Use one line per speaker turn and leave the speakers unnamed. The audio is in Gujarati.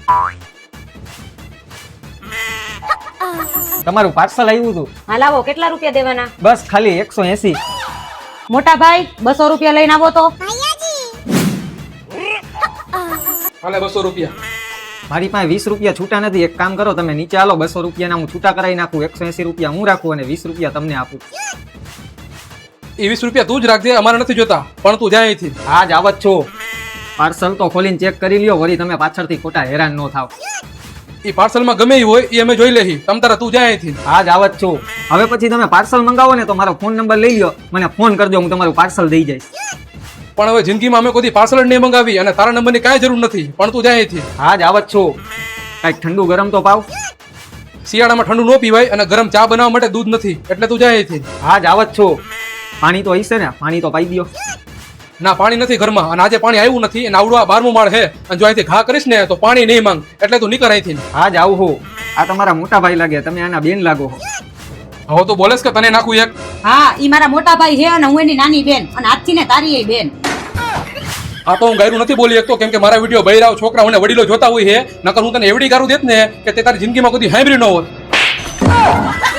તમારું પાર્સલ આવ્યું હતું.
હા લાવો, કેટલા રૂપિયા દેવાના?
બસ ખાલી 180.
મોટા ભાઈ 200 રૂપિયા લઈને આવો તો.
હાલે 200 રૂપિયા.
મારી પાસે 20 રૂપિયા છૂટા નથી. એક કામ કરો, તમે નીચે આલો, 200 રૂપિયાના હું છૂટા કરાવી નાખું. 180 રૂપિયા હું રાખું અને 20 રૂપિયા તમને આપું.
એ 20 રૂપિયા તું જ રાખજે, અમારે નથી જોતા. પણ તું જાય અહીંથી.
આજ આવત છો. પાર્સલ તો ખોલીને ચેક કરી લ્યો, વળી તમે પાછળથી ખોટા હેરાન ન થાવ.
એ પાર્સલમાં ગમે એ હોય એ અમે જોઈ લેહી. તમ તારા તું જાય અહીંથી.
આજ આવત છો. હવે પછી તમે પાર્સલ મંગાવો ને તો મારો ફોન નંબર લઈ લ્યો, મને ફોન કરજો, હું તમારું પાર્સલ દઈ જઈશ.
પણ હવે જિંદગીમાં અમે કોઈ પાર્સલ જ નહીં મંગાવી અને તારા નંબરની કાંઈ જરૂર નથી. પણ તું જાય અહીંથી.
આજ આવત છો. કાંઈક ઠંડુ ગરમ તો પાવ.
શિયાળામાં ઠંડુ ન પીવાય અને ગરમ ચા બનાવવા માટે દૂધ નથી, એટલે તું જાય અહીંથી.
આજ આવત છો. પાણી તો હશે ને? પાણી તો પાઈ દો.
ના, પાણી નથી ઘરમાં અને આજે પાણી આવ્યું નથી અને આવડું આ 12મું માળ છે અને જો અહીંથી ઘા કરીશ ને તો પાણી નહીં માંગ, એટલે તું નીકળ અહીંથી.
આજ આવું હો. આ તમારા મોટા ભાઈ લાગે, તમે આના બેન લાગો છો.
હવે તું બોલેસ કે તને નાખું એક?
હા, ઈ મારા મોટા ભાઈ છે અને હું એની નાની બેન, અને આજથી ને તારી એ બેન.
આ તો હું ગાયરું નથી બોલી શકતો, કેમ કે મારા વિડીયો બૈરાઓ છોકરા અને વડીલો જોતા હોય છે. નકર હું તને એવડી ગારું દેત ને કે તે તારી જિંદગીમાં કદી સાંભળ્યું ન હોત.